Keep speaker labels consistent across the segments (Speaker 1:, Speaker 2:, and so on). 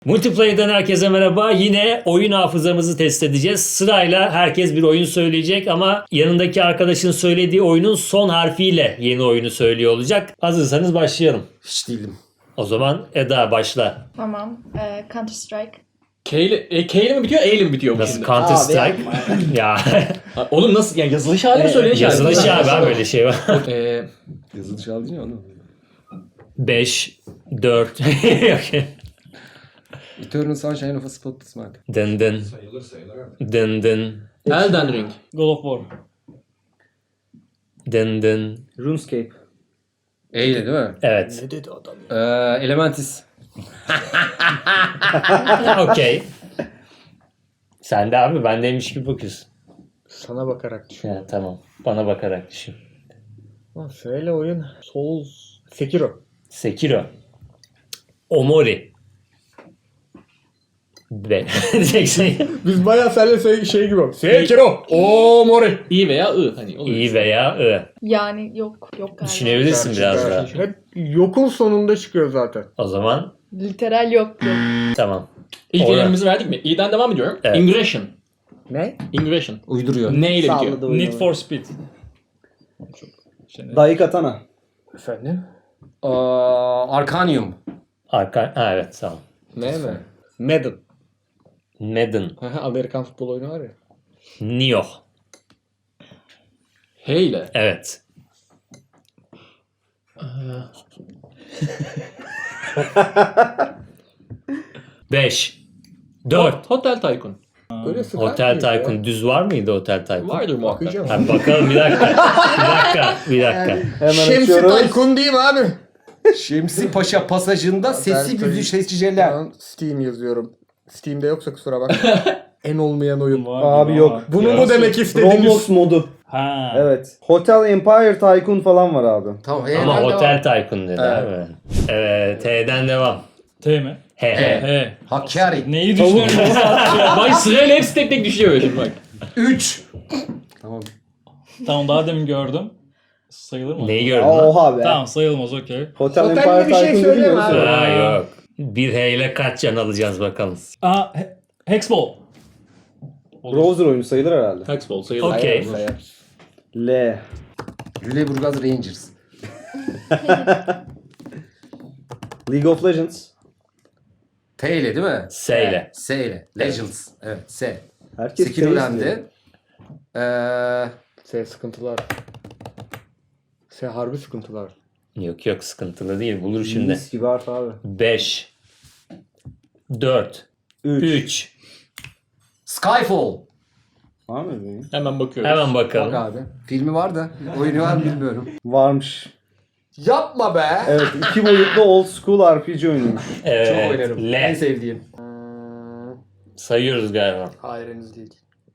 Speaker 1: Multiplayer'dan herkese merhaba. Yine oyun hafızamızı test edeceğiz. Sırayla herkes bir oyun söyleyecek ama yanındaki arkadaşın söylediği oyunun son harfiyle yeni oyunu söylüyor olacak. Hazırsanız başlayalım.
Speaker 2: Hiç değilim.
Speaker 1: O zaman Eda başla.
Speaker 3: Tamam. Counter Strike.
Speaker 4: K ile mi bitiyor, E ile mi bitiyor bu
Speaker 1: Nasıl
Speaker 4: şimdi?
Speaker 1: Counter Strike? Ya
Speaker 4: Ha, oğlum nasıl? Yani yazılış hali mi söyleniş hali mi?
Speaker 1: yazılış ya ben böyle şey var.
Speaker 2: Yazılış aldın ya onu.
Speaker 1: 5 4
Speaker 2: Eternal Sunshine of a Spotless Mind.
Speaker 1: Dın dın. Dın dın.
Speaker 4: Elden Ring.
Speaker 5: God of War.
Speaker 1: Dın dın.
Speaker 6: RuneScape.
Speaker 2: E ile değil mi?
Speaker 1: Evet.
Speaker 4: Ne dedi adam ya?
Speaker 2: Elementis.
Speaker 1: Okey. Sen de abi bendeymiş gibi bakıyorsun.
Speaker 5: Sana bakarak düşün.
Speaker 1: Ya, tamam. Bana bakarak düşün.
Speaker 5: Söyle oyun. Souls. Sekiro.
Speaker 1: Sekiro. Omori. Be.
Speaker 5: Biz bayağı seninle şey gibi. Sekiro. Oo mori.
Speaker 4: İ veya I hani oluyor.
Speaker 1: İ veya I.
Speaker 3: Yani yok galiba.
Speaker 1: Düşünebilirsin biraz daha.
Speaker 5: Hep yokun sonunda çıkıyor zaten.
Speaker 1: O zaman
Speaker 3: Literal yok.
Speaker 1: tamam.
Speaker 4: İlk
Speaker 1: Orada.
Speaker 4: elimizi verdik mi? İ'den devam ediyorum.
Speaker 1: Evet.
Speaker 4: Ingression.
Speaker 5: Ne?
Speaker 4: Ingression.
Speaker 2: Uyduruyor.
Speaker 4: Ne ile bitiyor?
Speaker 6: Salladı oyunu.
Speaker 5: Need for Speed.
Speaker 6: Daikatana.
Speaker 5: Efendim?
Speaker 2: Arcanium.
Speaker 1: Arka... Ha, evet tamam.
Speaker 5: Ne mi? Madden.
Speaker 1: Madden.
Speaker 5: Amerikan futbol oyunu var ya.
Speaker 1: Nioh.
Speaker 4: H ile.
Speaker 1: Evet. Beş. Dört.
Speaker 4: Hotel Tycoon.
Speaker 5: Öyle sıkar
Speaker 1: Hotel
Speaker 5: mıyız ya?
Speaker 1: Tycoon. Düz var mıydı Hotel Tycoon?
Speaker 4: Vardır muhakkak.
Speaker 5: Bakacağım.
Speaker 1: Ha, bakalım bir dakika. Bir dakika.
Speaker 6: Hemen
Speaker 5: Şemsi
Speaker 6: açıyoruz.
Speaker 5: Tycoon değil mi abi?
Speaker 2: Şemsi Paşa pasajında sesli güzlü seçiciler.
Speaker 5: Şu an Steam yazıyorum. Steam'de yoksa kusura bakma. En olmayan oyun.
Speaker 6: Abi yok.
Speaker 5: Bunu mu demek istediniz?
Speaker 6: Roblox modu.
Speaker 7: Ha.
Speaker 6: Evet. Hotel Empire Tycoon falan var abi.
Speaker 2: Tamam.
Speaker 1: Ama Hotel Tycoon dedi abi. Evet. T'den devam.
Speaker 7: T mi?
Speaker 1: He he.
Speaker 7: He.
Speaker 2: Hakkari.
Speaker 7: Neyi düşünüyorsun?
Speaker 4: Bak sırayla hepsi tek tek düşüyor şimdi bak.
Speaker 2: 3. Tamam.
Speaker 7: Tamam daha demin gördüm. Sayılır mı?
Speaker 1: Neyi gördün lan?
Speaker 6: Oha be.
Speaker 7: Tamam sayılmaz okey.
Speaker 6: Hotel
Speaker 5: Hotelli
Speaker 6: Empire
Speaker 5: bir şey
Speaker 6: Tycoon
Speaker 5: söyleme
Speaker 6: dedin
Speaker 5: abi.
Speaker 6: ya.
Speaker 1: Ha yok. Bir H ile kaç can alacağız bakalım.
Speaker 7: Aa Hexball.
Speaker 6: Browser oyunu sayılır herhalde.
Speaker 4: Hexball sayılır.
Speaker 1: Okey.
Speaker 6: L.
Speaker 2: Lüleburgaz Rangers.
Speaker 6: League of Legends.
Speaker 2: T ile değil mi?
Speaker 1: S ile.
Speaker 2: S ile. Legends. Evet. S.
Speaker 6: Herkes
Speaker 2: Sekiro
Speaker 6: T'yi
Speaker 2: önemli.
Speaker 5: Sıkıntılar. Harbi sıkıntılar.
Speaker 1: Yok sıkıntılı değil. Bulur şimdi.
Speaker 6: Mis gibi harf abi.
Speaker 1: 5 4
Speaker 6: 3.
Speaker 1: 3
Speaker 2: Skyfall.
Speaker 6: Var mı benim?
Speaker 4: Hemen bakıyoruz.
Speaker 1: Hemen
Speaker 2: Bak
Speaker 1: bakalım.
Speaker 2: abi. Filmi var da. Oyunu var mı bilmiyorum.
Speaker 6: Varmış.
Speaker 5: Yapma be.
Speaker 6: Evet. 2 boyutlu old school RPG oyunuymuş.
Speaker 2: Çok
Speaker 1: Evet.
Speaker 2: oynarım. En
Speaker 1: L.
Speaker 2: sevdiğim.
Speaker 1: Sayıyoruz galiba.
Speaker 5: Hayır henüz değil.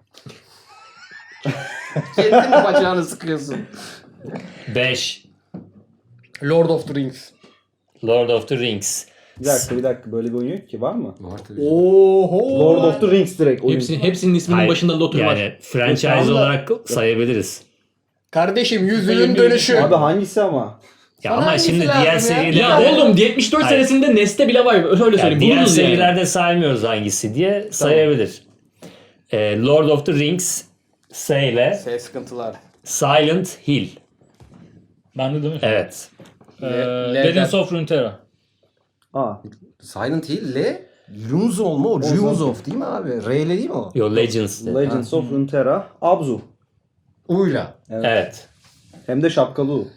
Speaker 2: Kendin mi bacağını sıkıyorsun?
Speaker 1: 5
Speaker 5: Lord of the Rings.
Speaker 1: Lord of the Rings.
Speaker 6: Bir dakika. Böyle bir oyun yok ki. Var mı?
Speaker 2: Var tabii.
Speaker 5: Oho.
Speaker 6: Lord of the Rings direkt oyun.
Speaker 4: Hepsinin isminin
Speaker 1: Hayır,
Speaker 4: başında Lotur var.
Speaker 1: yani franchise
Speaker 5: Tamam da-
Speaker 1: olarak sayabiliriz.
Speaker 5: Kardeşim yüzünün dönüşü.
Speaker 6: Abi hangisi ama?
Speaker 1: Ya
Speaker 5: Sana
Speaker 1: ama
Speaker 5: hangisi
Speaker 1: şimdi
Speaker 5: lazım
Speaker 1: diğer
Speaker 5: ya?
Speaker 1: serilerde...
Speaker 4: Ya oğlum 74
Speaker 1: Hayır.
Speaker 4: senesinde Neste bile var. Öyle
Speaker 1: Yani
Speaker 4: söyleyeyim.
Speaker 1: diğer
Speaker 4: Buluruz yani.
Speaker 1: serilerde saymıyoruz hangisi diye sayabilir. Lord of the Rings S ile
Speaker 5: Sıkıntılar.
Speaker 1: Silent Hill.
Speaker 7: Ben de değil mi?
Speaker 1: Evet.
Speaker 7: Legends of Runeterra.
Speaker 6: Aa.
Speaker 2: Silent Hill ile Lunzol mu? O Lunzol değil mi abi? R ile değil mi o?
Speaker 1: Yo Legends.
Speaker 6: Legends of Runeterra. Abzu.
Speaker 2: U'yla.
Speaker 1: Evet.
Speaker 6: Hem de şapkalı U.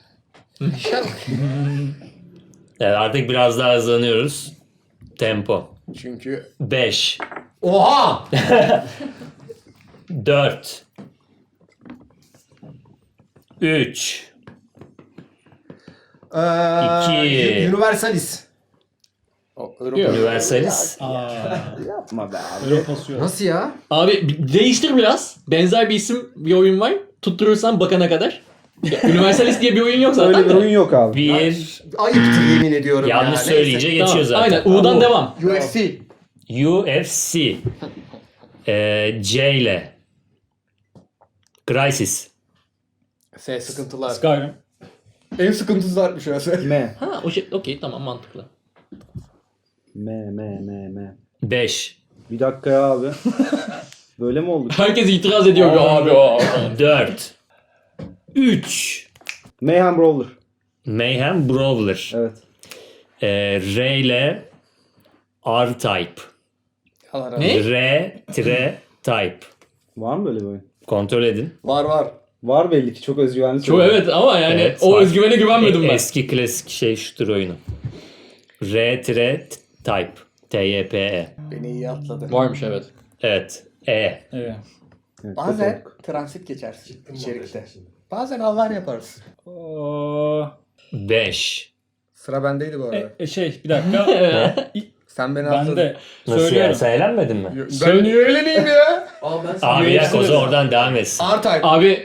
Speaker 1: Evet. Artık biraz daha hızlanıyoruz. Tempo.
Speaker 5: Çünkü
Speaker 1: 5
Speaker 2: Oha!
Speaker 1: 4 3 İki.
Speaker 2: Universalis.
Speaker 1: Universalis.
Speaker 6: Yapma be abi.
Speaker 7: Öyle pasıyor.
Speaker 2: Nasıl ya?
Speaker 4: Abi değiştir biraz. Benzer bir isim bir oyun var. Tutturursan bakana kadar. Ya, Universalis diye bir oyun yok zaten.
Speaker 6: Öyle bir
Speaker 4: de.
Speaker 6: oyun yok abi.
Speaker 1: 1
Speaker 2: Ayıptır yemin ediyorum
Speaker 1: yanlış
Speaker 2: ya.
Speaker 1: söyleyince
Speaker 2: Neyse.
Speaker 1: geçiyor
Speaker 4: Tamam,
Speaker 1: zaten.
Speaker 4: aynen. U'dan devam.
Speaker 5: UFC.
Speaker 1: UFC. C ile Crysis.
Speaker 5: Sıkıntılar.
Speaker 7: Skyrim.
Speaker 5: En sıkıntısı varmış ya.
Speaker 6: M.
Speaker 4: Ha o şey okey tamam mantıklı.
Speaker 6: M.
Speaker 1: 5,
Speaker 6: Bir dakika ya abi. Böyle mi oldu?
Speaker 4: Herkes itiraz ediyor abi.
Speaker 1: 4, 3.
Speaker 6: Mayhem Brawler.
Speaker 1: Mayhem Brawler.
Speaker 6: Evet.
Speaker 1: R ile R-Type.
Speaker 5: Allah razı
Speaker 4: Ne?
Speaker 1: R-Type.
Speaker 6: Var mı böyle bir oyun?
Speaker 1: Kontrol edin.
Speaker 5: Var.
Speaker 6: Var belli ki, çok özgüvenli.
Speaker 4: Çok
Speaker 6: söylüyorum.
Speaker 4: evet ama yani
Speaker 1: Evet,
Speaker 4: o
Speaker 1: var.
Speaker 4: özgüvene güvenmedim ben.
Speaker 1: Eski klasik shooter oyunu. R-Type. T-Y-P-E.
Speaker 5: Beni iyi atladı.
Speaker 4: Varmış evet.
Speaker 1: Evet. E.
Speaker 7: Evet.
Speaker 6: Evet,
Speaker 5: Bazen
Speaker 6: çok olduk.
Speaker 5: transit geçersin içerikte. Bazen Allah yaparız.
Speaker 7: Oo,
Speaker 1: 5.
Speaker 5: Sıra bendeydi bu arada.
Speaker 7: bir dakika.
Speaker 5: Sen beni
Speaker 7: Ben
Speaker 5: atladın.
Speaker 7: de
Speaker 1: Nasıl
Speaker 7: söylüyorum.
Speaker 1: yani? Sen eğlenmedin mi?
Speaker 5: Ben niye öğleneyim ya?
Speaker 1: Abi bir dakika o zaman oradan devam etsin.
Speaker 5: R-Type.
Speaker 4: Abi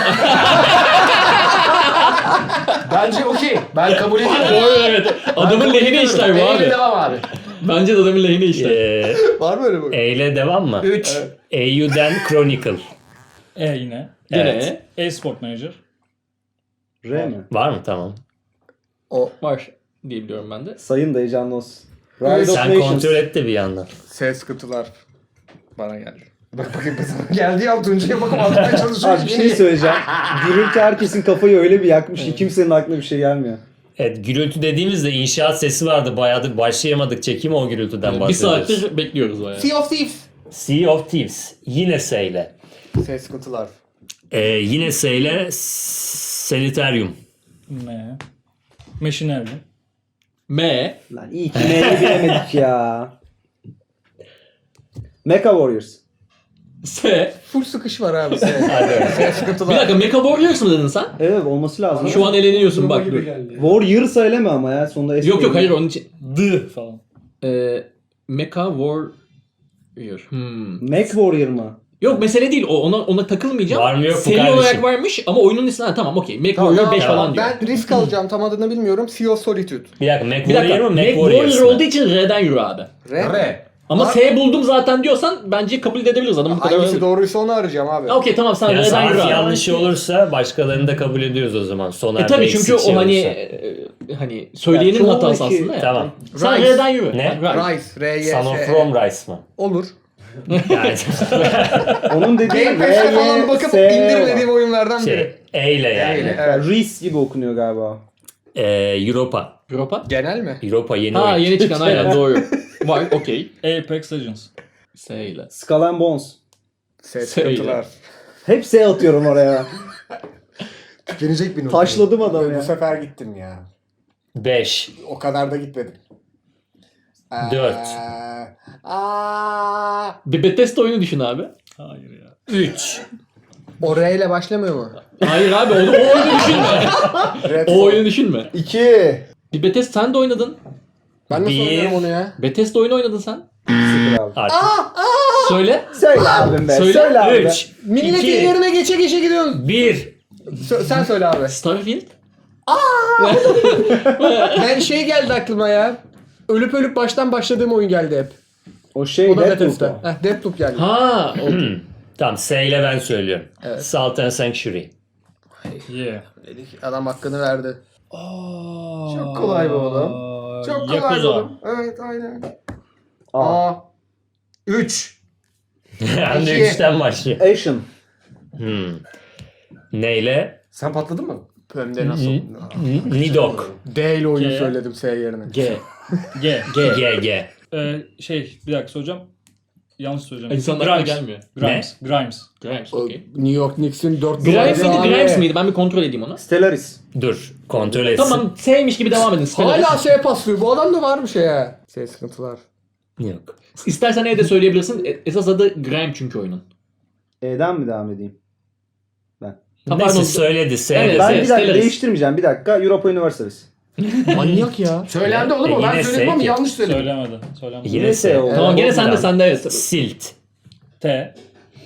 Speaker 2: Bence okey. Ben kabul ediyorum.
Speaker 4: doğru evet. Adamın lehine işler bu
Speaker 2: Eyle
Speaker 4: abi.
Speaker 2: devam abi.
Speaker 4: Bence de adamın lehine işler.
Speaker 5: Var mı öyle bu?
Speaker 1: E ile devam mı?
Speaker 2: 3.
Speaker 1: AU'den Chronicle.
Speaker 7: Yine.
Speaker 4: Gene
Speaker 1: Evet.
Speaker 7: E-Sport Manager.
Speaker 6: R mi?
Speaker 1: Var mı? Tamam.
Speaker 4: var diye biliyorum ben de.
Speaker 6: Sayın da heyecanlı olsun. Rise of
Speaker 1: Sen
Speaker 6: Nations.
Speaker 1: kontrol et de bir yandan.
Speaker 5: Ses sıkıntılar bana geldi.
Speaker 2: Bak bakayım sana geldi ya Tuncay'a bakıp anlatmaya çalışıyor.
Speaker 6: Abi bir şey söyleyeceğim. Gürültü herkesin kafayı öyle bir yakmış ki kimsenin aklına bir şey gelmiyor.
Speaker 1: Evet, gürültü dediğimizde inşaat sesi vardı. Bayağıdır başlayamadık çekime, o gürültüden
Speaker 4: Bir
Speaker 1: bahsediyoruz.
Speaker 4: saattir bekliyoruz bayağı.
Speaker 5: Sea of Thieves.
Speaker 1: Sea of Thieves. Yine S ile.
Speaker 5: Ses sıkıntılar.
Speaker 1: Yine S ile Sanitarium.
Speaker 7: M. Machinery.
Speaker 4: M.
Speaker 6: Lan iyi ki M'yi bilemedik ya. Mecha Warriors.
Speaker 4: S.
Speaker 5: Full sıkış var abi ses.
Speaker 1: Hadi.
Speaker 5: Ses
Speaker 4: Bir
Speaker 5: sıkıntılar.
Speaker 4: dakika Mecha Warriors mu dedin sen?
Speaker 6: Evet olması lazım.
Speaker 4: Şu an eleniyorsun bak dur.
Speaker 6: Warrior söyleme ama ya sonunda S
Speaker 4: Yok
Speaker 6: değil.
Speaker 4: hayır onun için.
Speaker 7: D falan.
Speaker 4: Mecha Warrior.
Speaker 6: Mac Warrior mı?
Speaker 4: Yok mesele değil o ona takılmayacağım.
Speaker 1: Var mı yok mu
Speaker 4: Seri
Speaker 1: kardeşim?
Speaker 4: olarak varmış ama oyunun ismi tamam okey. Mecha Warrior 5
Speaker 1: tamam.
Speaker 4: falan diyor.
Speaker 5: Ben risk alacağım, tam adını bilmiyorum. Sea of Solitude.
Speaker 1: Bir dakika, Mac
Speaker 4: Bir dakika.
Speaker 1: Warrior mu?
Speaker 4: Mac
Speaker 1: Mac Warriors
Speaker 4: Warrior
Speaker 1: mı?
Speaker 4: olduğu için R'den yürü abi.
Speaker 2: R.
Speaker 4: Ama
Speaker 5: Var-
Speaker 4: S buldum zaten diyorsan bence kabul edebiliriz adamın bu kadar.
Speaker 5: Hangisi doğruysa onu arayacağım abi.
Speaker 4: Okey tamam sen
Speaker 1: Yani
Speaker 4: R'den yürü
Speaker 1: harf
Speaker 4: abi.
Speaker 1: yanlışı olursa başkalarını da kabul ediyoruz o zaman. Soner
Speaker 4: Tabii
Speaker 1: Bey
Speaker 4: çünkü
Speaker 1: eksik şey
Speaker 4: o hani
Speaker 1: olursa.
Speaker 4: hani söyleyenin
Speaker 6: Ya,
Speaker 4: hatası
Speaker 6: çoğundaki-
Speaker 4: aslında ya.
Speaker 1: Tamam.
Speaker 4: Sen
Speaker 5: Rise.
Speaker 4: R'den yürü.
Speaker 1: Ne?
Speaker 4: Rise.
Speaker 5: Rise. R-Y-S.
Speaker 1: Son of Rome Rice mı?
Speaker 5: Olur.
Speaker 1: Yani
Speaker 6: Onun dediği
Speaker 5: Game Pass'te falan bakıp indirmediğim oyunlardan biri.
Speaker 1: şey, E ile yani.
Speaker 5: ile.
Speaker 6: Evet. Reese gibi okunuyor galiba.
Speaker 1: Europa.
Speaker 4: Europa.
Speaker 5: Genel mi?
Speaker 1: Europa yeni
Speaker 4: Ha
Speaker 1: oyun.
Speaker 4: yeni çıkan aynen doğru. Var okey.
Speaker 7: Apex Legends.
Speaker 4: S ile.
Speaker 6: Skull and Bones.
Speaker 5: Ses
Speaker 4: Söyle.
Speaker 5: sıkıntılar.
Speaker 6: Hep S atıyorum oraya.
Speaker 2: Tükenecek bir not.
Speaker 6: Taşladım adamı
Speaker 5: Bu
Speaker 6: ya.
Speaker 5: sefer gittim ya.
Speaker 1: 5.
Speaker 5: O kadar da gitmedim.
Speaker 1: 4.
Speaker 4: Bir Bethesda oyunu düşün abi.
Speaker 7: Hayır ya.
Speaker 1: 3.
Speaker 5: O R ile başlamıyor mu?
Speaker 4: Hayır abi o oyunu düşünme.
Speaker 5: Red
Speaker 4: O oyunu düşünme.
Speaker 6: 2.
Speaker 4: Bir Bethesda sen de oynadın.
Speaker 5: Ben nasıl
Speaker 1: Bir.
Speaker 5: oynuyorum onu ya?
Speaker 4: Bethesda oyunu oynadın sen.
Speaker 6: 0 abi.
Speaker 1: Artık.
Speaker 4: Söyle.
Speaker 6: Söyle abim be.
Speaker 4: Söyle.
Speaker 6: Söyle abi be.
Speaker 1: 3.
Speaker 5: Milletin
Speaker 1: 2.
Speaker 5: yerine geçe geçe gidiyorsun.
Speaker 1: 1.
Speaker 5: Sen söyle abi.
Speaker 4: Starfield.
Speaker 5: Ben şey geldi aklıma ya. Ölüp ölüp baştan başladığım oyun geldi hep.
Speaker 6: O şey
Speaker 5: O da
Speaker 6: Deathloop
Speaker 5: Bethesda.
Speaker 6: o.
Speaker 5: Deathloop geldi.
Speaker 4: Ha.
Speaker 1: Tamam, S ile ben söylüyorum.
Speaker 5: Evet.
Speaker 1: Salt and Sanctuary.
Speaker 7: Yeah.
Speaker 5: Dedik, adam hakkını verdi.
Speaker 2: Çok kolay bu oğlum. Çok kolay bu
Speaker 7: Yakuza.
Speaker 2: oğlum. Evet aynen.
Speaker 6: A.
Speaker 2: 3.
Speaker 1: Hem de
Speaker 2: İki.
Speaker 1: 3'ten başlıyor.
Speaker 6: Asian.
Speaker 1: Neyle?
Speaker 2: Sen patladın mı?
Speaker 5: Hem de nasıl?
Speaker 1: Nidok.
Speaker 5: D ile oyunu
Speaker 7: G.
Speaker 5: söyledim S yerine.
Speaker 4: G.
Speaker 7: G.
Speaker 1: G.
Speaker 7: Bir dakika soracağım. Yanlış söyleyeceğim.
Speaker 4: İnsanlar aklına gelmiyor.
Speaker 7: Grimes. Grimes.
Speaker 4: Grimes
Speaker 5: O
Speaker 4: okey.
Speaker 5: New York Knicks'in 4
Speaker 4: Grimes miydi Grimes miydi? Ben bir kontrol edeyim onu.
Speaker 6: Stellaris.
Speaker 1: Dur. Kontrol etsin.
Speaker 4: Tamam S'ymiş gibi devam edin. Stellaris.
Speaker 5: Hala S paslıyor. Bu adam da varmış ya. S sıkıntılar.
Speaker 1: Yok.
Speaker 4: İstersen de söyleyebilirsin. Esas adı Grime çünkü oyunun.
Speaker 6: E'den mi devam edeyim?
Speaker 4: Ha,
Speaker 1: Neyse
Speaker 4: pardon.
Speaker 1: söyledi. S
Speaker 4: Evet,
Speaker 1: dedi.
Speaker 6: Ben bir dakika
Speaker 4: Stellaris.
Speaker 6: değiştirmeyeceğim. Bir dakika. Europa Universalis.
Speaker 5: Manyak ya.
Speaker 2: Söylendi oğlum o. Ben
Speaker 1: Yine
Speaker 2: söyledim ama
Speaker 1: S.
Speaker 2: yanlış söyledim.
Speaker 7: Söylemedi. Söylemedi.
Speaker 1: Yine
Speaker 6: Yine
Speaker 1: S.
Speaker 6: S oldu.
Speaker 4: Tamam gene
Speaker 1: Tamam.
Speaker 4: sende evet.
Speaker 1: Silt.
Speaker 7: T.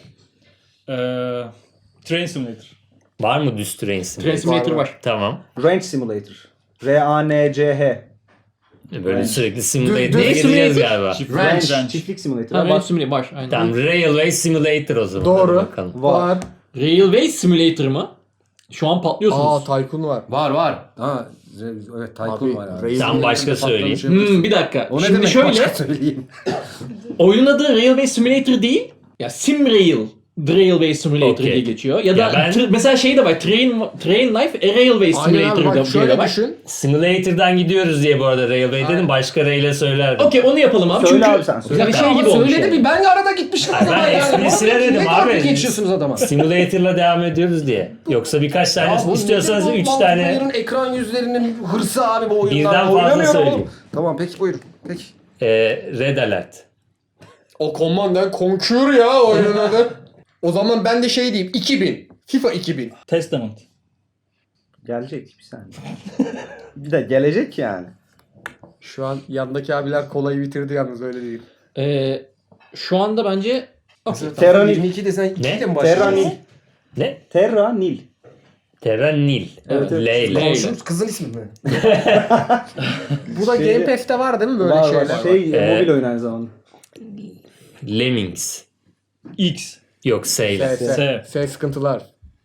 Speaker 7: Train Simulator.
Speaker 1: Var mı düz train sim?
Speaker 4: Train Simulator var.
Speaker 1: Tamam.
Speaker 6: Range Simulator. R-A-N-C-H.
Speaker 1: Böyle sürekli simulator'a
Speaker 5: Düz
Speaker 1: gireceğiz
Speaker 5: simulator.
Speaker 1: galiba.
Speaker 6: Range.
Speaker 7: Range.
Speaker 6: Çiftlik Simulator.
Speaker 4: Ha,
Speaker 6: Var.
Speaker 4: Range Simulator var. Aynen.
Speaker 1: Tamam, Railway Simulator o zaman.
Speaker 5: Doğru.
Speaker 1: Hadi bakalım.
Speaker 5: Var.
Speaker 4: Railway Simulator mı? Şu an patlıyorsunuz.
Speaker 5: Tycoon var.
Speaker 2: Var var. Ha, Evet Tycoon var abi.
Speaker 5: Rail
Speaker 1: Sen başka söyleyeyim.
Speaker 4: Bir dakika.
Speaker 2: O ne
Speaker 4: Şimdi
Speaker 2: demek
Speaker 4: şöyle
Speaker 2: başka söyleyeyim.
Speaker 4: oyunun adı Railway Simulator değil. Ya Simrail. The Railway Simulator
Speaker 1: Okey.
Speaker 4: diye geçiyor. Ya da
Speaker 1: Ya ben-
Speaker 4: mesela şey de var. Train Life a Railway
Speaker 5: Aynen abi
Speaker 4: Simulator
Speaker 5: bak
Speaker 4: diye
Speaker 5: şöyle
Speaker 4: de var.
Speaker 5: düşün.
Speaker 1: Simulator'dan gidiyoruz diye bu arada Railway dedim. Başka rail'e söylerdim.
Speaker 4: Okey onu yapalım abi.
Speaker 6: Söyle
Speaker 4: Çünkü
Speaker 6: abi sen, söyle.
Speaker 4: yani şey
Speaker 2: Ama
Speaker 4: gibi olmuş.
Speaker 2: söyledi
Speaker 4: yani.
Speaker 2: bir ben arada gitmiştim o
Speaker 1: Ay,
Speaker 2: zaman
Speaker 1: ben
Speaker 2: yani.
Speaker 1: esprisine
Speaker 2: Vallahi
Speaker 1: dedim
Speaker 2: ne
Speaker 1: abi.
Speaker 2: taktik geçiyorsunuz adama.
Speaker 1: Simulator'la devam ediyoruz diye. Yoksa birkaç tane
Speaker 2: Ya bu
Speaker 1: istiyorsanız
Speaker 2: nedir bu
Speaker 1: 3 tane
Speaker 2: multiplayer'ın ekran yüzlerinin hırsı abi bu oyunlar.
Speaker 1: Birden fazla
Speaker 2: Oynamıyorum
Speaker 1: söyleyeyim.
Speaker 2: oğlum. Tamam peki buyurun. Peki.
Speaker 1: Red Alert.
Speaker 5: O Command and Conquer ya oyunun adı. O zaman ben de şey diyeyim 2000. FIFA 2000.
Speaker 7: Testament.
Speaker 6: Gelecek bir saniye. Bir de gelecek yani.
Speaker 5: Şu an yandaki abiler kolayı bitirdi yalnız öyle değil.
Speaker 4: Şu anda bence
Speaker 6: Terra Nil.
Speaker 2: 22 desen 2
Speaker 1: Ne?
Speaker 2: de mi
Speaker 6: Terra
Speaker 2: başlıyor?
Speaker 6: Nil.
Speaker 1: Ne?
Speaker 6: Terra Nil.
Speaker 1: Terra Nil.
Speaker 6: Evet, evet.
Speaker 1: Leyla.
Speaker 4: Leyla.
Speaker 2: Şu kızın ismi mi?
Speaker 5: Bu da
Speaker 6: Şeyde-
Speaker 5: Game Pass'te var değil mi böyle
Speaker 6: Var
Speaker 5: şeyler?
Speaker 6: var. Şey mobil oyun aynı zamanda.
Speaker 1: Lemmings.
Speaker 7: X.
Speaker 1: Yok Save.
Speaker 5: S sıkıntılar.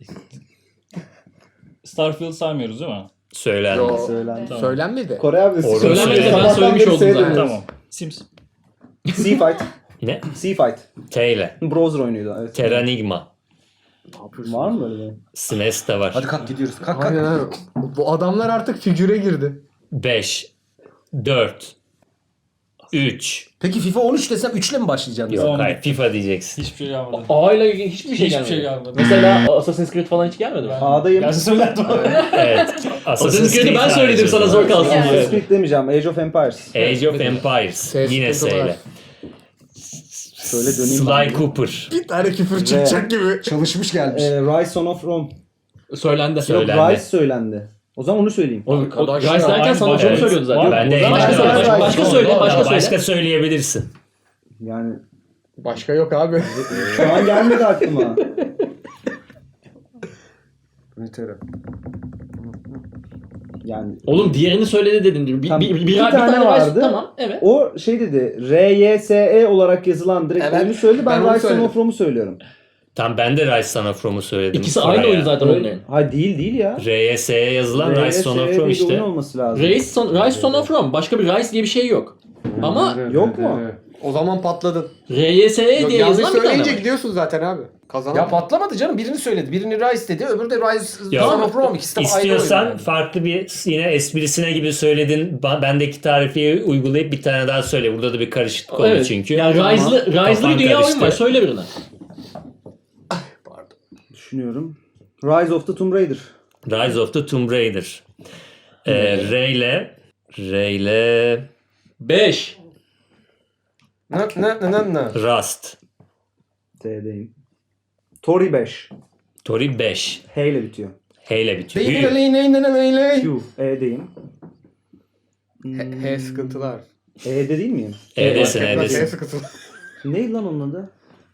Speaker 7: Starfield saymıyoruz değil mi?
Speaker 1: Söylendi.
Speaker 5: Yo.
Speaker 6: Söylendi.
Speaker 7: Tamam.
Speaker 5: Söylenmedi.
Speaker 6: Kore abi.
Speaker 1: Orada
Speaker 4: söylenmedi de ben
Speaker 6: Sabahtan
Speaker 4: söylemiş
Speaker 6: beri
Speaker 4: oldum zaten.
Speaker 6: seyrediyoruz.
Speaker 7: Tamam. Sims.
Speaker 6: Sea Fight.
Speaker 1: Ne?
Speaker 6: Sea Fight.
Speaker 1: T ile.
Speaker 6: Browser oyunuydu. Evet.
Speaker 1: Terranigma.
Speaker 6: Var mı böyle bir?
Speaker 1: SNES de var.
Speaker 2: Hadi kalk gidiyoruz. Kalk
Speaker 5: Aynen
Speaker 2: kalk.
Speaker 5: abi. Bu adamlar artık figüre girdi.
Speaker 1: 5 4 3
Speaker 2: Peki FIFA 13 desem 3'le mi başlayacaksın?
Speaker 1: Yok
Speaker 7: Tamam.
Speaker 1: hayır FIFA diyeceksin.
Speaker 7: Hiçbir şey gelmedi.
Speaker 4: A ile ilgili hiçbir şey
Speaker 7: Hiçbir
Speaker 4: gelmedi.
Speaker 7: şey gelmedi.
Speaker 4: Mesela Assassin's Creed falan hiç gelmedi mi?
Speaker 6: A'dayım.
Speaker 7: Gelse söylerdim.
Speaker 1: Evet.
Speaker 4: Assassin's Creed'i ben söyledim sana zor kalsın diye.
Speaker 6: Assassin's Creed demeyeceğim. Age of Empires.
Speaker 1: Age of Empires.
Speaker 5: Ses
Speaker 1: Yine
Speaker 5: sıkıntılar.
Speaker 1: S ile.
Speaker 6: Şöyle döneyim.
Speaker 1: Sly
Speaker 6: ben.
Speaker 1: Cooper.
Speaker 5: Bir tane küfür çıkacak gibi.
Speaker 2: Çalışmış gelmiş.
Speaker 6: Rise Son of Rome.
Speaker 4: Söylendi.
Speaker 6: Yok
Speaker 1: Söylendi.
Speaker 6: Rise söylendi. O zaman onu söyleyeyim.
Speaker 4: O
Speaker 5: Arkadaş
Speaker 4: Rice
Speaker 5: ya,
Speaker 4: derken
Speaker 7: aynı
Speaker 4: sana
Speaker 7: bak-
Speaker 4: çok
Speaker 1: evet.
Speaker 4: söylüyordu zaten.
Speaker 1: Ben de
Speaker 6: O zaman
Speaker 1: Age of
Speaker 6: başka-
Speaker 1: Empires.
Speaker 4: başka söyle, başka söyle.
Speaker 1: Başka söyleyebilirsin.
Speaker 6: Yani
Speaker 5: Başka yok abi.
Speaker 6: şu an gelmedi aklıma.
Speaker 2: Ünitera.
Speaker 6: Yani
Speaker 4: Oğlum diğerini söyledi dedin. Bir,
Speaker 6: Tamam,
Speaker 4: bir, bir,
Speaker 6: iki
Speaker 4: bir
Speaker 6: tane
Speaker 4: tane
Speaker 6: vardı.
Speaker 4: vardı. Tamam evet.
Speaker 6: o şey dedi. RYSE olarak yazılan direkt
Speaker 5: Evet,
Speaker 6: oyunu söyledi.
Speaker 5: ben
Speaker 6: Ben
Speaker 5: onu
Speaker 6: Rise Son
Speaker 5: söyledim.
Speaker 6: of Rome'u söylüyorum.
Speaker 1: Tam ben de Rise Son of Rome'u söyledim.
Speaker 4: İkisi
Speaker 1: Sıraya.
Speaker 4: aynı oyun zaten
Speaker 6: Öyle-
Speaker 4: onların.
Speaker 6: Hayır değil ya.
Speaker 1: RS'ye yazılan Rise Son of
Speaker 6: RYSE
Speaker 1: Rome
Speaker 6: bir oyun
Speaker 1: işte.
Speaker 6: olması lazım.
Speaker 4: Rise Son of Rome. Başka bir Rise diye bir şey yok. Ama
Speaker 6: Yok mu?
Speaker 5: O zaman patladın.
Speaker 4: RYSE
Speaker 5: Yok,
Speaker 4: diye
Speaker 5: yanlış
Speaker 4: yazılan bir tane
Speaker 5: söyleyince
Speaker 4: var.
Speaker 5: gidiyorsun zaten abi. Kazanın.
Speaker 2: Ya patlamadı canım. Birini söyledi. Birini Rise dedi. Öbürü de Rise
Speaker 1: Ya,
Speaker 2: Son of Rome. İkisi de aynı
Speaker 1: İstiyorsan
Speaker 2: oyun.
Speaker 1: farklı bir yine esprisine gibi söyledin. Bendeki tarifi uygulayıp bir tane daha söyle. Burada da bir karışıklık oldu
Speaker 4: Evet.
Speaker 1: çünkü.
Speaker 4: Yani Rise'lı
Speaker 1: Kafan
Speaker 4: bir dünya oyun
Speaker 1: karıştı.
Speaker 4: var. Söyle birini.
Speaker 6: Düşünüyorum. Rise of the Tomb Raider.
Speaker 1: Rise of the Tomb Raider. Ray ile
Speaker 4: 5.
Speaker 2: Ne?
Speaker 1: Rust.
Speaker 6: T'deyim. Tori 5.
Speaker 1: Tori 5.
Speaker 6: H ile bitiyor.
Speaker 1: H ile bitiyor.
Speaker 6: Q. E'deyim.
Speaker 5: He sıkıntılar.
Speaker 6: E'de değil miyim?
Speaker 1: E'desin
Speaker 5: He
Speaker 1: E'desin.
Speaker 5: sıkıntılar.
Speaker 6: Neydi lan onun adı?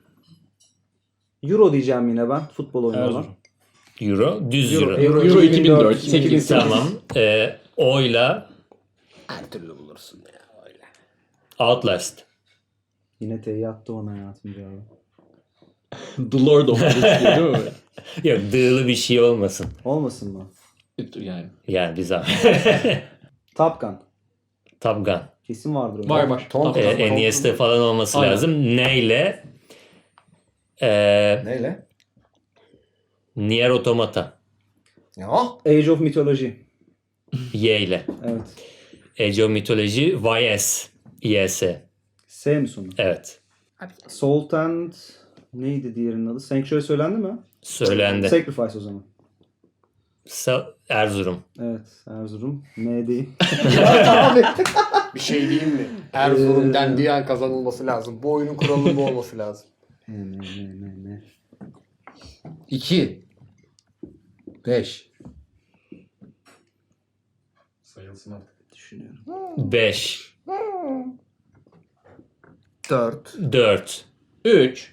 Speaker 6: Euro diyeceğim yine ben. Futbol oyunu olan.
Speaker 1: Euro. Düz Euro.
Speaker 4: Euro 2004, 2008.
Speaker 1: Tamam. O'yla
Speaker 2: Her türlü bulursun ya. Öyle.
Speaker 1: Outlast.
Speaker 6: Yine T'yi attı ona hayatım cevabı.
Speaker 4: The Lord of the Rings diyor, değil mi?
Speaker 1: Yok dığlı bir şey olmasın.
Speaker 6: Olmasın mı?
Speaker 4: Yani.
Speaker 1: Yani biz abi.
Speaker 6: Top Gun.
Speaker 1: Top Gun.
Speaker 6: Kesin vardır öyle.
Speaker 4: Var.
Speaker 2: Tom
Speaker 4: Tamam.
Speaker 2: Cruise.
Speaker 1: NES'te falan olması
Speaker 4: Aynen.
Speaker 1: lazım. Neyle?
Speaker 2: Neyle?
Speaker 1: Nier Automata.
Speaker 2: Ya.
Speaker 6: Age of Mythology.
Speaker 1: Y ile.
Speaker 6: Evet.
Speaker 1: Age of Mythology YS. YS.
Speaker 6: S mi sonu?
Speaker 1: Evet.
Speaker 6: Salt and... Neydi diğerinin adı? Sanctuary söylendi mi?
Speaker 1: Söylendi.
Speaker 6: Sacrifice o zaman.
Speaker 1: Erzurum.
Speaker 6: Evet. Erzurum. M değil.
Speaker 5: Bir şey diyeyim mi? Erzurum dendiği an kazanılması lazım. Bu oyunun kuralının bu olması lazım.
Speaker 6: Ne.
Speaker 2: 2 5
Speaker 5: Sayılsın artık.
Speaker 6: Düşünüyorum.
Speaker 1: 5.
Speaker 5: 4.
Speaker 1: 4.
Speaker 4: 3.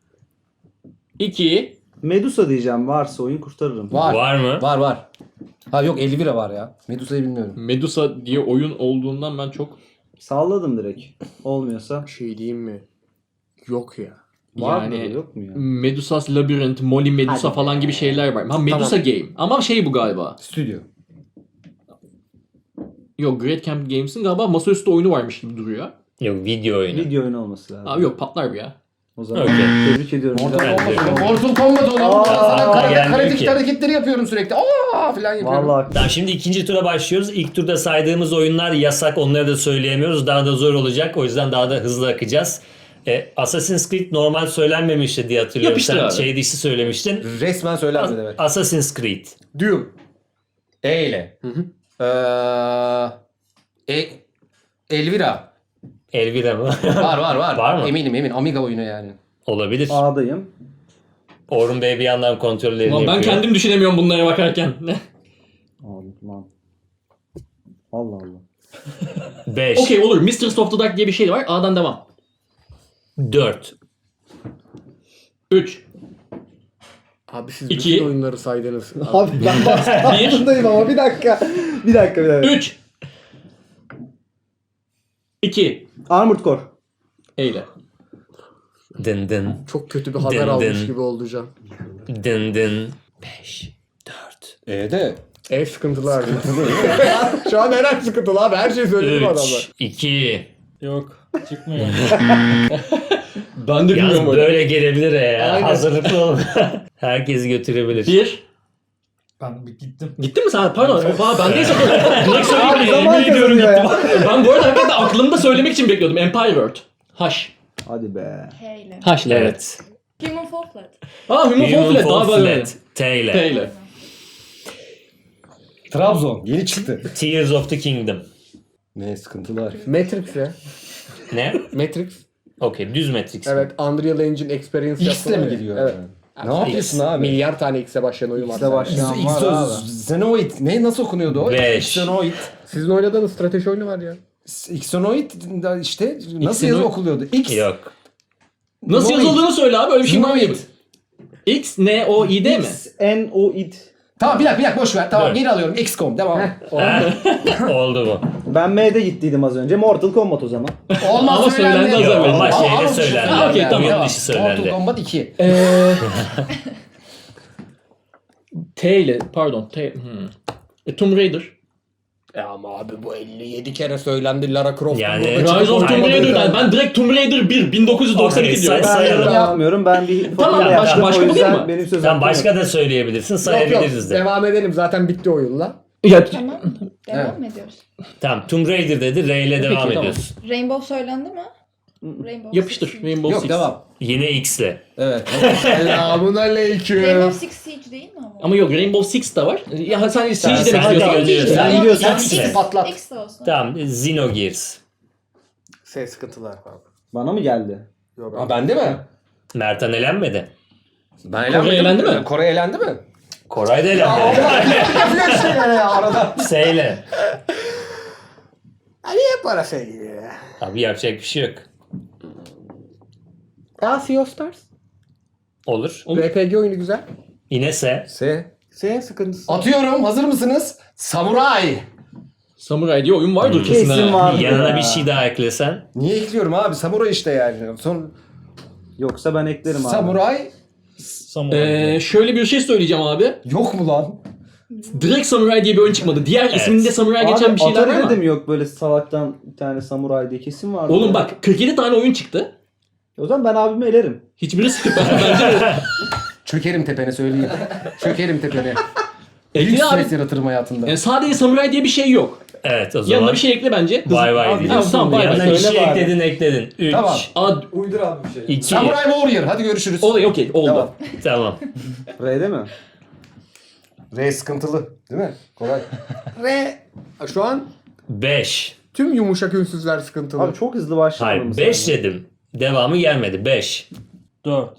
Speaker 4: 2.
Speaker 6: Medusa diyeceğim. Varsa oyun kurtarırım.
Speaker 1: Var mı?
Speaker 2: Var. Ha yok 50 lira var ya. Medusa'yı bilmiyorum.
Speaker 4: Medusa diye oyun olduğundan ben çok
Speaker 6: Salladım direkt. Olmuyorsa.
Speaker 5: Bir şey diyeyim mi? Yok ya.
Speaker 6: Var mı?
Speaker 4: yani
Speaker 6: Yok mu ya?
Speaker 4: Medusas Labirent, Molly Medusa
Speaker 6: Hadi.
Speaker 4: falan gibi şeyler var. Ha Medusa Game. Ama şey bu galiba.
Speaker 2: Stüdyo.
Speaker 4: Yok, Great Camp Games'in galiba masaüstü oyunu varmış gibi duruyor.
Speaker 1: Yok, video oyunu.
Speaker 6: Video oyunu olması lazım.
Speaker 4: Abi yok, patlar bu ya.
Speaker 6: O zaman
Speaker 1: Okey.
Speaker 6: tebrik ediyorum.
Speaker 5: Mortal
Speaker 6: Güzel.
Speaker 1: Bence
Speaker 5: Kombat,
Speaker 1: de.
Speaker 5: Mortal Kombat oğlum. Ben sana
Speaker 1: gelmiyor
Speaker 5: karate
Speaker 1: ki.
Speaker 5: hareketleri yapıyorum sürekli. Aa falan yapıyorum.
Speaker 6: Vallahi
Speaker 1: Tamam, şimdi ikinci tura başlıyoruz. İlk turda saydığımız oyunlar yasak. Onları da söyleyemiyoruz. Daha da zor olacak. O yüzden daha da hızlı akacağız. Assassin's Creed normal söylenmemişti diye hatırlıyorum.
Speaker 4: Yapıştır
Speaker 1: Sen
Speaker 4: abi.
Speaker 1: şey dışı söylemiştin.
Speaker 2: Resmen söylenmedi evet.
Speaker 1: Assassin's Creed.
Speaker 5: Doom.
Speaker 2: E ile. Elvira.
Speaker 1: Elvira mı?
Speaker 2: Var.
Speaker 1: Var mı?
Speaker 2: Eminim. Amiga oyunu yani.
Speaker 1: Olabilir.
Speaker 6: A'dayım.
Speaker 1: Orhun Bey bir yandan kontrollerini
Speaker 4: Ulan ben
Speaker 1: yapıyor.
Speaker 4: kendim düşünemiyorum bunlara bakarken.
Speaker 6: Abi lan. Allah Allah.
Speaker 1: 5,
Speaker 4: Okey olur. Mistress of the Dark diye bir şey var. A'dan devam.
Speaker 1: 4,
Speaker 4: 3.
Speaker 5: Abi siz
Speaker 4: İki.
Speaker 5: bütün oyunları saydınız.
Speaker 6: Abi ben baskındayım ama bir dakika. Bir dakika.
Speaker 4: 3. 2.
Speaker 6: Armored Core.
Speaker 4: Eyle.
Speaker 1: dın dın,
Speaker 5: Çok kötü bir haber
Speaker 1: Dın
Speaker 5: almış
Speaker 1: dın.
Speaker 5: gibi oldu Can.
Speaker 1: dın dın. 5, 4,
Speaker 2: De.
Speaker 5: Sıkıntılı abi. Şu an her sıkıntılı abi. Her şeyi söyledim adamlar.
Speaker 1: 3, 2.
Speaker 7: Yok. Çıkmıyor.
Speaker 4: Ben de
Speaker 1: Yalnız
Speaker 4: bilmiyorum öyle.
Speaker 1: böyle gelebilir ya.
Speaker 5: Aynen.
Speaker 1: Hazırlıklı olun. Herkesi götürebilir.
Speaker 4: 1.
Speaker 7: Ben bir gittim.
Speaker 4: Gittin mi sen? Pardon. Bendeyse direkt söyleyeyim.
Speaker 6: Zaman
Speaker 4: Yemin ediyorum
Speaker 6: kazanıyor
Speaker 4: gittim. Ben bu arada hakikaten aklımda söylemek için bekliyordum. Empire World. Haş.
Speaker 6: Hadi be.
Speaker 3: H ile.
Speaker 4: Haş'le evet.
Speaker 1: Evet.
Speaker 3: Human Fall Flat.
Speaker 4: Aa Human Fall Flat. Daha böyle.
Speaker 1: Flat. T ile.
Speaker 4: T ile.
Speaker 2: Trabzon. Yeni çıktı.
Speaker 1: Tears of the Kingdom.
Speaker 2: Ne sıkıntılı harf.
Speaker 5: Matrix ya.
Speaker 1: Ne?
Speaker 5: Matrix.
Speaker 1: Okey, düz Matrix.
Speaker 5: Evet. Unreal Engine Experience
Speaker 2: X'le mi
Speaker 5: yaptılar ya.
Speaker 2: gidiyor?
Speaker 5: Evet.
Speaker 2: Ne yapıyorsun abi?
Speaker 5: Milyar tane X'e başlayan oyun var.
Speaker 6: X'e başlayan var abi.
Speaker 2: Xenoid. Ne nasıl okunuyordu o?
Speaker 1: Beş.
Speaker 2: Xenoid.
Speaker 5: Sizin oynadığınız strateji oyunu var ya.
Speaker 2: Xenoid işte nasıl
Speaker 4: Xenoid.
Speaker 2: yazı okuluyordu? X.
Speaker 1: Yok.
Speaker 4: Nasıl
Speaker 2: Noid.
Speaker 4: yazıldığını söyle abi. Öyle bir şey var mı?
Speaker 2: Noid.
Speaker 4: X, N, O, I, D mi?
Speaker 6: N-O-I-D.
Speaker 2: Tamam bir dakika boş ver. Tamam
Speaker 1: Dur.
Speaker 2: geri alıyorum. XCOM devam.
Speaker 1: Oldu bu.
Speaker 6: Ben M'de gittiydim az önce. Mortal Kombat o zaman.
Speaker 2: Olmaz
Speaker 4: Ama söylendi az
Speaker 2: Yok.
Speaker 4: evvel.
Speaker 1: Ama
Speaker 2: Aa,
Speaker 1: şeyde
Speaker 2: ama
Speaker 1: söylendi.
Speaker 4: Ha, okey, tamam.
Speaker 1: Oyun dışı söylendi.
Speaker 2: Mortal Kombat 2.
Speaker 4: T ile. Pardon. T. Tomb Raider.
Speaker 5: Ama abi bu 57 kere söylendi Lara Croft.
Speaker 1: Yani-
Speaker 4: Rise of Tomb
Speaker 1: Aynen.
Speaker 4: Raider. Ben direkt Tomb Raider 1. 1992
Speaker 1: Okey,
Speaker 4: diyorum.
Speaker 1: say-
Speaker 6: Ben
Speaker 1: sayalım.
Speaker 6: yorum yapmıyorum. Ben bir
Speaker 4: Tamam,
Speaker 6: formüle yaptım.
Speaker 4: başka
Speaker 6: O
Speaker 4: bu değil
Speaker 6: yüzden
Speaker 4: mi?
Speaker 6: benim sözüm
Speaker 1: Sen başka da söyleyebilirsin,
Speaker 5: Yok
Speaker 1: sayabiliriz de.
Speaker 5: devam edelim zaten bitti oyunla.
Speaker 4: Ya,
Speaker 3: Tamam. Devam mı ediyoruz?
Speaker 1: Tamam, Tomb Raider dedi, R ile devam
Speaker 4: tamam.
Speaker 1: ediyoruz.
Speaker 3: Rainbow söylendi mi? Rainbow
Speaker 4: yapıştır.
Speaker 3: Six.
Speaker 4: Rainbow
Speaker 2: Yok
Speaker 4: Six.
Speaker 2: devam.
Speaker 1: Yine X ile.
Speaker 2: Evet.
Speaker 5: Selamun aleyküm.
Speaker 3: Rainbow Six Siege değil mi ama?
Speaker 4: Ama yok Rainbow Six de var. Ya sen Siege demek
Speaker 1: sen
Speaker 4: istiyorsun.
Speaker 1: de biliyorsun.
Speaker 6: Sen
Speaker 3: Yok,
Speaker 6: biliyorsan
Speaker 3: X-
Speaker 1: X-
Speaker 5: patlat.
Speaker 3: X de olsun.
Speaker 1: Tamam, Xenogears.
Speaker 5: Sıkıntılar abi.
Speaker 6: Bana mı geldi?
Speaker 5: Yok
Speaker 2: Aa, bende mi?
Speaker 1: Mertan elenmedi.
Speaker 2: Ben
Speaker 4: Kore elendi mi?
Speaker 2: Kore elendi mi?
Speaker 1: Koray da elenmedi.
Speaker 2: Yapıyor işte yani ya arada.
Speaker 1: S ile.
Speaker 5: Niye para şey gibi ya?
Speaker 1: Abi yapacak bir şey yok.
Speaker 5: Sea of Stars.
Speaker 1: Olur.
Speaker 5: RPG oyunu güzel.
Speaker 1: Yine S.
Speaker 5: Senin sıkıntısı.
Speaker 2: Atıyorum. Hazır mısınız? Samuray.
Speaker 4: Samurai diye oyun vardır kesin.
Speaker 6: Kesin
Speaker 4: ha.
Speaker 6: var.
Speaker 1: Yanına bir şey daha eklesen.
Speaker 2: Niye ekliyorum abi? Samuray işte yani.
Speaker 6: Yoksa ben eklerim abi.
Speaker 2: Samuray
Speaker 7: Samuray.
Speaker 4: Şöyle bir şey söyleyeceğim abi.
Speaker 2: yok mu lan?
Speaker 4: Direkt Samurai diye bir oyun çıkmadı. Diğer isminde Samurai geçen
Speaker 6: Abi
Speaker 4: bir şeyler var
Speaker 6: Atari'de
Speaker 4: ama.
Speaker 6: de mi yok böyle salaktan bir tane samuray diye kesin vardı.
Speaker 4: Oğlum
Speaker 6: ya.
Speaker 4: bak 47 tane oyun çıktı.
Speaker 6: O zaman ben abimi elerim.
Speaker 4: Hiçbirisi bence de.
Speaker 2: Çökerim tepene söyleyeyim. Çökerim tepene. Büyük
Speaker 4: Ekle abi.
Speaker 2: stres yaratırım hayatımda.
Speaker 4: Yani sadece Samurai diye bir şey yok.
Speaker 1: Evet, o zaman.
Speaker 4: Yanına bir şey ekle bence.
Speaker 1: Vay vay
Speaker 6: Abi,
Speaker 1: diyeceğiz.
Speaker 4: tamam, bay bay.
Speaker 1: Yanına bir
Speaker 6: Söyle
Speaker 1: şey
Speaker 6: bari.
Speaker 1: ekledin. 3,
Speaker 2: Tamam.
Speaker 6: Uydur abi bir şey.
Speaker 1: 2,
Speaker 2: Samuray Warrior. Hadi görüşürüz.
Speaker 4: Okey oldu.
Speaker 2: Tamam.
Speaker 1: tamam.
Speaker 6: R'de mi?
Speaker 2: R sıkıntılı. Değil mi? Kolay.
Speaker 5: R. Şu an
Speaker 1: 5.
Speaker 5: tüm yumuşak ünsüzler sıkıntılı.
Speaker 6: Abi çok hızlı başlamadım.
Speaker 1: Hayır, 5 dedim. Devamı gelmedi. 5.
Speaker 7: 4.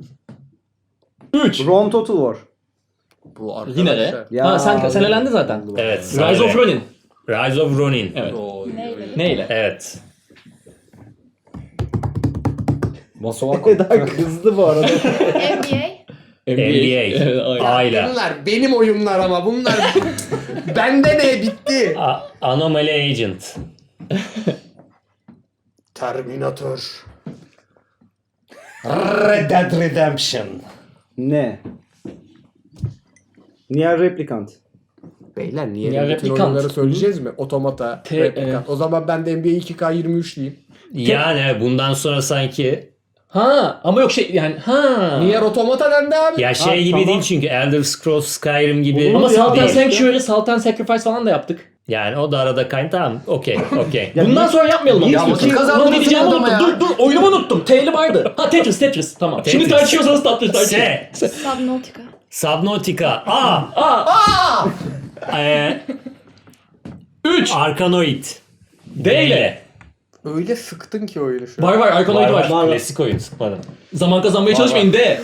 Speaker 4: 3.
Speaker 6: Rome Total War.
Speaker 5: Bu arkadaşlar.
Speaker 4: Yine de.
Speaker 6: Ya,
Speaker 4: Ha sen elendin zaten.
Speaker 1: Evet.
Speaker 4: Rise of Ronin.
Speaker 1: Rise of Ronin.
Speaker 4: Evet.
Speaker 3: Neyle?
Speaker 4: Neyle?
Speaker 1: Evet.
Speaker 2: Masovako.
Speaker 6: Daha hızlı bu arada.
Speaker 3: NBA.
Speaker 1: NBA.
Speaker 4: Evet, aynen.
Speaker 1: A ile.
Speaker 5: Bunlar benim oyunlar ama bunlar bende ne bitti.
Speaker 1: Anomaly Agent.
Speaker 5: Terminator.
Speaker 2: Red Dead Redemption.
Speaker 6: Ne? Nier Replicant.
Speaker 5: Beyler niye
Speaker 4: Ya,
Speaker 5: bütün
Speaker 4: replikant.
Speaker 5: oyunları söyleyeceğiz mi? Otomata, replikant. O zaman ben de NBA 2K23 diyeyim.
Speaker 1: Yani bundan sonra sanki
Speaker 4: Ha ama yok şey yani
Speaker 5: Niye otomata dendi abi?
Speaker 1: ya şey gibi
Speaker 6: tamam.
Speaker 1: değil çünkü Elder Scrolls Skyrim gibi
Speaker 6: Olur
Speaker 4: Ama
Speaker 6: ya,
Speaker 4: Salt and
Speaker 1: değil.
Speaker 4: Sanctuary, Salt and Sacrifice falan da yaptık.
Speaker 1: Yani o da arada tamam okey.
Speaker 6: Ya
Speaker 4: Bundan sonra yapmayalım ama.
Speaker 2: Ya
Speaker 4: istiyorsan.
Speaker 2: vakit kazandırırsın
Speaker 4: Ulan ne diyeceğimi
Speaker 2: adama
Speaker 4: unuttum.
Speaker 2: ya.
Speaker 4: Dur oyunumu unuttum. T'li vardı. Ha Tetris tamam. Şimdi
Speaker 1: Tetris.
Speaker 4: tartışıyorsanız tartışın.
Speaker 1: S.
Speaker 3: Subnautica.
Speaker 1: Subnautica. A.
Speaker 4: A.
Speaker 1: 3. Arkanoid.
Speaker 4: D ile.
Speaker 5: Öyle sıktın ki oyunu şu an.
Speaker 4: Var Arkanoid var.
Speaker 1: Klasik oyun sıkmadım.
Speaker 4: Zaman kazanmaya çalışmayın D.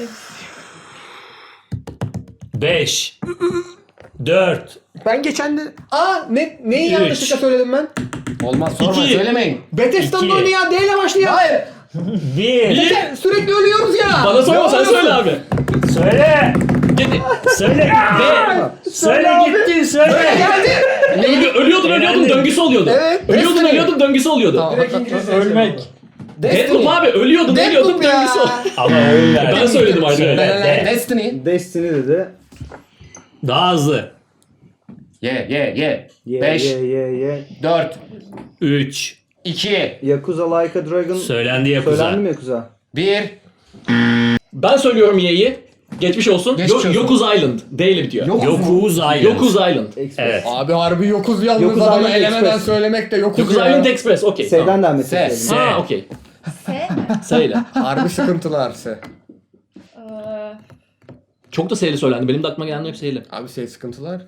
Speaker 1: 5. 4.
Speaker 5: Ben geçen de... neyi
Speaker 1: Üç.
Speaker 5: yanlışlıkla söyledim ben?
Speaker 2: Olmaz sorma
Speaker 1: İki.
Speaker 2: söylemeyin.
Speaker 5: Bethesda'nın
Speaker 1: İki.
Speaker 5: oyunu ya D ile başlıyor.
Speaker 2: Hayır.
Speaker 1: 1.
Speaker 5: Sürekli ölüyoruz ya.
Speaker 4: Bana sorma
Speaker 5: Ne
Speaker 4: sen
Speaker 5: oluyorsun?
Speaker 4: söyle abi.
Speaker 1: Söyle.
Speaker 4: Gidi.
Speaker 1: Söyle.
Speaker 4: D.
Speaker 1: Söyle gittin söyle.
Speaker 4: Ölüyordun döngüsü oluyordu.
Speaker 5: Evet,
Speaker 4: Ölüyordun
Speaker 5: Destiny.
Speaker 4: döngüsü oluyordu.
Speaker 5: Tamam.
Speaker 7: Ölmek.
Speaker 4: Deathloop abi ölüyordun
Speaker 5: Deathloop ya.
Speaker 4: döngüsü oluyordu.
Speaker 1: Ama oyun verdim.
Speaker 4: Ben söyledim artık.
Speaker 1: Söyle.
Speaker 2: Destiny.
Speaker 6: Destiny dedi.
Speaker 1: Daha hızlı.
Speaker 2: Ye.
Speaker 6: Ye
Speaker 2: 5,
Speaker 6: ye.
Speaker 2: 4,
Speaker 1: 3.
Speaker 2: 2,
Speaker 6: Yakuza Like a Dragon.
Speaker 1: Söylendi Yakuza.
Speaker 6: Söylendi mi Yakuza?
Speaker 2: 1.
Speaker 4: Ben söylüyorum Y'yi. Geçmiş olsun.
Speaker 2: Geçmiş olsun.
Speaker 4: Yokuz Island. D ile bitiyor.
Speaker 1: Yokuz Island.
Speaker 4: Yokuz Island.
Speaker 6: Express.
Speaker 1: Evet.
Speaker 5: Abi harbi yokuz yalnız
Speaker 6: Yokuz
Speaker 5: adamı
Speaker 6: Island
Speaker 5: elemeden
Speaker 6: Express.
Speaker 5: söylemek de yokuz
Speaker 4: Yokuz
Speaker 5: ya.
Speaker 4: Island Express. Okey.
Speaker 6: S'den
Speaker 4: Tamam.
Speaker 6: devam
Speaker 2: S.
Speaker 6: etmek
Speaker 1: S.
Speaker 4: Ha okey.
Speaker 3: S mi?
Speaker 4: Söyle.
Speaker 5: Harbi sıkıntılar se.
Speaker 3: Ee,
Speaker 4: Çok da S'li söylendi. Benim de aklıma gelen hep S'li.
Speaker 5: Abi sıkıntılar.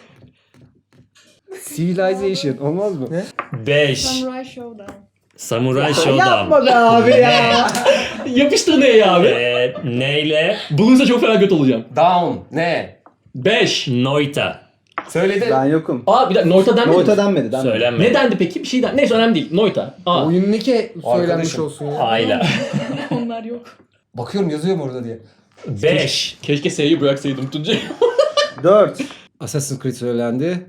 Speaker 6: Civilization olmaz mı?
Speaker 1: 5.
Speaker 3: Samurai Showdown.
Speaker 1: Samurai Showdown.
Speaker 6: Yapma be abi ya.
Speaker 4: Yapıştır N'yi abi.
Speaker 1: Neyle?
Speaker 4: Bulursa çok fena kötü olacağım.
Speaker 2: Down. Ne?
Speaker 4: 5.
Speaker 1: Noita.
Speaker 2: Söyledi.
Speaker 6: Ben yokum.
Speaker 4: Aa bir dakika Noita denmedi
Speaker 6: Noita
Speaker 4: mi?
Speaker 6: denmedi.
Speaker 1: Söylenmedi.
Speaker 4: Ne dendi peki? Bir şey dendi. Neyse önemli değil. Noita. Aa.
Speaker 5: Oyun ne ki söylenmiş
Speaker 2: Arkadaşım.
Speaker 5: olsun ya.
Speaker 1: Ayla.
Speaker 3: Onlar yok.
Speaker 2: Bakıyorum yazıyor mu orada diye.
Speaker 1: 5.
Speaker 4: Keşke S'yi bıraksaydım Tuncay.
Speaker 6: 4.
Speaker 2: Assassin's Creed söylendi.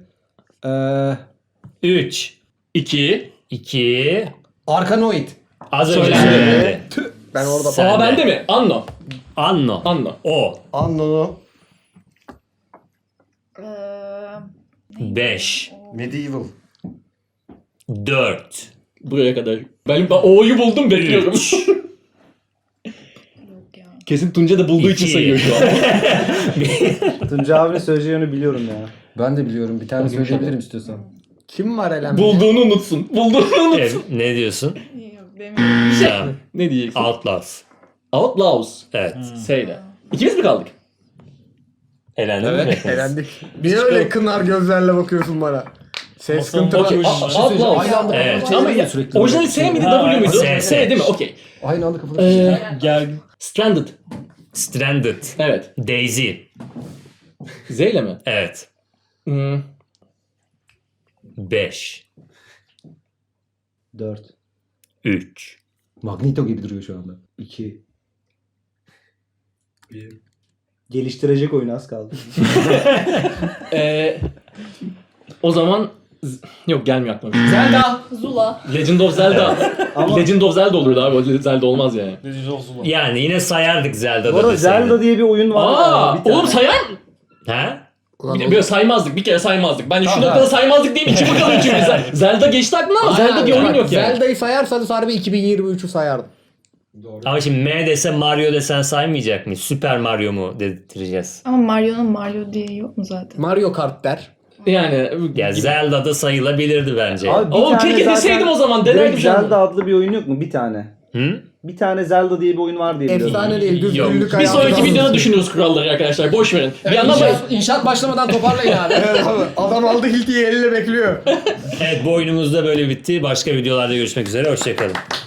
Speaker 1: 3.
Speaker 4: 2.
Speaker 1: 2.
Speaker 2: Arkanoid.
Speaker 1: Az önce
Speaker 4: Söylendi.
Speaker 1: söylendi.
Speaker 5: Ben orada
Speaker 1: Sen
Speaker 4: Aa
Speaker 1: de.
Speaker 4: bende mi? Anno.
Speaker 1: Anno.
Speaker 4: Anno.
Speaker 1: O.
Speaker 2: Anno.
Speaker 3: Ee,
Speaker 1: 5.
Speaker 2: Medieval.
Speaker 1: 4.
Speaker 4: Buraya kadar. Ben O'yu buldum bekliyorum.
Speaker 1: 3.
Speaker 3: yok ya.
Speaker 4: Kesin Tunca da bulduğu için
Speaker 1: İki.
Speaker 4: sayıyor şu an.
Speaker 6: Tuncay abinin söyleyeceğini biliyorum ya.
Speaker 2: Ben de biliyorum. Bir tane söyleyebilirim istiyorsan.
Speaker 5: kim var elenmiş?
Speaker 4: Bulduğunu unutsun. Bulduğunu unutsun.
Speaker 1: Ne diyorsun?
Speaker 3: Yok demiyorum.
Speaker 1: Tamam.
Speaker 4: Ne diyeceksin?
Speaker 1: Outlaws.
Speaker 4: Outlaws.
Speaker 1: Evet.
Speaker 4: S'yle. İkimiz mi kaldık?
Speaker 1: Elendin mi? hepiniz?
Speaker 5: Elendik. Niye öyle kınar gözlerle bakıyorsun bana? Ses sıkıntılar.
Speaker 4: Okey. Outlaws.
Speaker 2: Aynı anda
Speaker 1: Evet.
Speaker 2: kafanı
Speaker 4: Ama
Speaker 2: çeviriyor sürekli.
Speaker 4: orijinali S miydi
Speaker 1: Ha,
Speaker 4: W muydu?
Speaker 1: S,
Speaker 4: S değil mi? Okey.
Speaker 2: Aynı anda kafanı
Speaker 7: Gel.
Speaker 4: Stranded.
Speaker 1: Stranded.
Speaker 4: Evet.
Speaker 1: Daisy.
Speaker 4: Z ile mi?
Speaker 1: Evet.
Speaker 4: Hmm.
Speaker 1: 5.
Speaker 6: 4.
Speaker 1: 3.
Speaker 2: Magneto gibi duruyor şu anda.
Speaker 6: 2. Geliştirecek oyun az kaldı.
Speaker 4: O zaman yok gelmiyor aklıma.
Speaker 2: Zelda.
Speaker 3: Zula.
Speaker 4: Legend of Zelda.
Speaker 6: Ama-
Speaker 4: Legend of Zelda olurdu abi. O Zelda olmaz yani.
Speaker 1: Yani yine sayardık Zelda'da
Speaker 6: Bu arada
Speaker 1: deseydin.
Speaker 6: Zelda diye bir oyun var.
Speaker 4: Aa,
Speaker 6: Bir tane.
Speaker 4: oğlum sayar
Speaker 1: Ha?
Speaker 4: Böyle saymazdık. Bir kere saymazdık. Bence şu
Speaker 2: Tamam,
Speaker 4: noktada saymazdık diyeyim. İki bakalım çünkü. Zelda geçti aklına ama Zelda diye oyun yok yani.
Speaker 5: Zelda'yı sayarsanız harbi 2023'ü sayardım.
Speaker 1: Ama şimdi M desen Mario desen saymayacak mıyız? Süper Mario mu dedirteceğiz?
Speaker 3: Ama Mario'nun Mario diye yok mu zaten?
Speaker 5: Mario Kart der.
Speaker 1: Ya
Speaker 4: Yani
Speaker 1: Zelda'da sayılabilirdi bence.
Speaker 6: Abi bir
Speaker 4: oğlum
Speaker 6: tane
Speaker 4: keşke
Speaker 6: zaten
Speaker 4: deseydim o zaman. Denerdim
Speaker 6: direkt
Speaker 4: şu an.
Speaker 6: Zelda adlı bir oyun yok mu? Bir tane.
Speaker 1: Hı?
Speaker 6: Bir tane Zelda diye bir oyun var diye biliyorum.
Speaker 5: Efsane değil. Düz
Speaker 1: Yok.
Speaker 5: günlük
Speaker 4: Bir
Speaker 5: hayatı.
Speaker 4: sonraki videoda düşünürüz kuralları arkadaşlar. Boş verin. Bir yandan
Speaker 2: İnşaat başlamadan toparlayın abi.
Speaker 5: Evet abi. Adam aldı Hilti'yi eliyle bekliyor.
Speaker 1: Evet bu oyunumuz da böyle bitti. Başka videolarda görüşmek üzere. Hoşçakalın.